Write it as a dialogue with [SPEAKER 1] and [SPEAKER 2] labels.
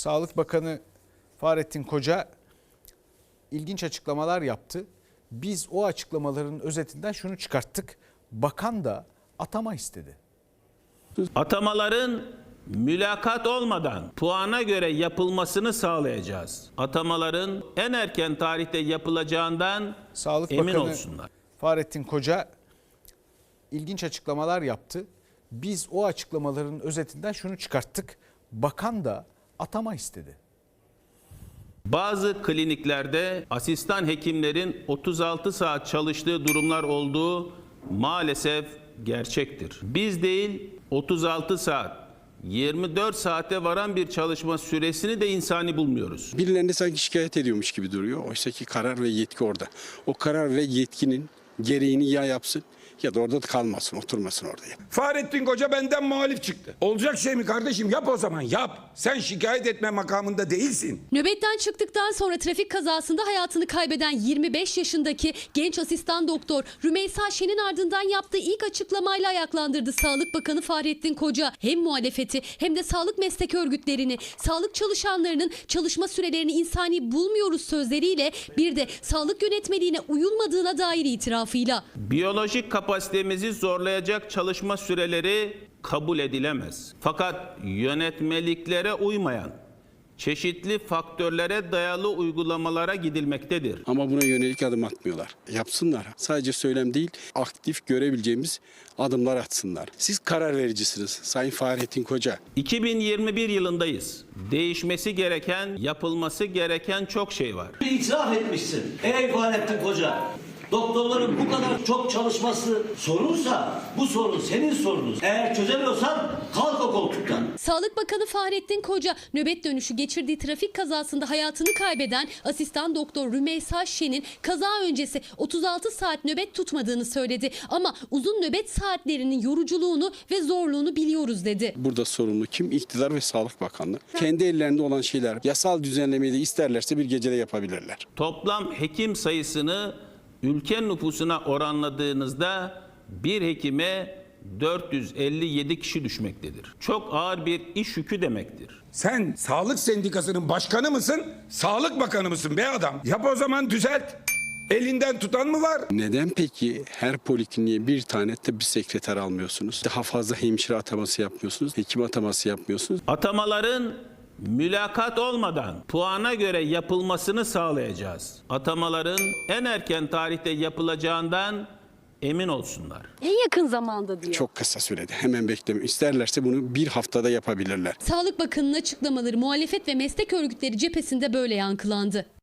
[SPEAKER 1] Sağlık Bakanı Fahrettin Koca ilginç açıklamalar yaptı. Biz o açıklamaların özetinden şunu çıkarttık. Bakan da atama istedi.
[SPEAKER 2] Atamaların mülakat olmadan puana göre yapılmasını sağlayacağız. Atamaların en erken tarihte yapılacağından
[SPEAKER 1] Sağlık
[SPEAKER 2] emin
[SPEAKER 1] Bakanı
[SPEAKER 2] olsunlar.
[SPEAKER 1] Fahrettin Koca ilginç açıklamalar yaptı. Biz o açıklamaların özetinden şunu çıkarttık. Bakan da atama istedi.
[SPEAKER 2] Bazı kliniklerde asistan hekimlerin 36 saat çalıştığı durumlar olduğu maalesef gerçektir. Biz değil 36 saat, 24 saate varan bir çalışma süresini de insani bulmuyoruz.
[SPEAKER 3] Birilerine sanki şikayet ediyormuş gibi duruyor. Oysa ki karar ve yetki orada. O karar ve yetkinin gereğini ya yapsın ya da orada kalmasın, oturmasın orada.
[SPEAKER 4] Fahrettin Koca benden muhalif çıktı. Olacak şey mi kardeşim? Yap o zaman yap. Sen şikayet etme makamında değilsin.
[SPEAKER 5] Nöbetten çıktıktan sonra trafik kazasında hayatını kaybeden 25 yaşındaki genç asistan doktor Rümeysa Şen'in ardından yaptığı ilk açıklamayla ayaklandırdı Sağlık Bakanı Fahrettin Koca. Hem muhalefeti hem de sağlık meslek örgütlerini, sağlık çalışanlarının çalışma sürelerini insani bulmuyoruz sözleriyle bir de sağlık yönetmeliğine uyulmadığına dair itirafıyla.
[SPEAKER 2] Biyolojik kapasitemizi zorlayacak çalışma süreleri kabul edilemez. Fakat yönetmeliklere uymayan, çeşitli faktörlere dayalı uygulamalara gidilmektedir.
[SPEAKER 3] Ama buna yönelik adım atmıyorlar. Yapsınlar. Sadece söylem değil, aktif görebileceğimiz adımlar atsınlar. Siz karar vericisiniz Sayın Fahrettin Koca.
[SPEAKER 2] 2021 yılındayız. Değişmesi gereken, yapılması gereken çok şey var.
[SPEAKER 6] İtiraf etmişsin. Ey Fahrettin Koca. Doktorların bu kadar çok çalışması sorunsa bu sorun senin sorunun. Eğer çözemiyorsan kalk o koltuktan.
[SPEAKER 5] Sağlık Bakanı Fahrettin Koca nöbet dönüşü geçirdiği trafik kazasında hayatını kaybeden asistan doktor Rümeysa Şen'in kaza öncesi 36 saat nöbet tutmadığını söyledi. Ama uzun nöbet saatlerinin yoruculuğunu ve zorluğunu biliyoruz dedi.
[SPEAKER 3] Burada sorumlu kim? İktidar ve Sağlık Bakanlığı. Kendi ellerinde olan şeyler yasal düzenlemeyi de isterlerse bir gecede yapabilirler.
[SPEAKER 2] Toplam hekim sayısını ülke nüfusuna oranladığınızda bir hekime 457 kişi düşmektedir. Çok ağır bir iş yükü demektir.
[SPEAKER 4] Sen sağlık sendikasının başkanı mısın? Sağlık bakanı mısın be adam? Yap o zaman düzelt. Elinden tutan mı var?
[SPEAKER 3] Neden peki her polikliniğe bir tane tıbbi sekreter almıyorsunuz? Daha fazla hemşire ataması yapmıyorsunuz, hekim ataması yapmıyorsunuz.
[SPEAKER 2] Atamaların mülakat olmadan puana göre yapılmasını sağlayacağız. Atamaların en erken tarihte yapılacağından emin olsunlar.
[SPEAKER 5] En yakın zamanda diyor.
[SPEAKER 3] Çok kısa sürede hemen bekleme. İsterlerse bunu bir haftada yapabilirler.
[SPEAKER 5] Sağlık Bakanı'nın açıklamaları muhalefet ve meslek örgütleri cephesinde böyle yankılandı.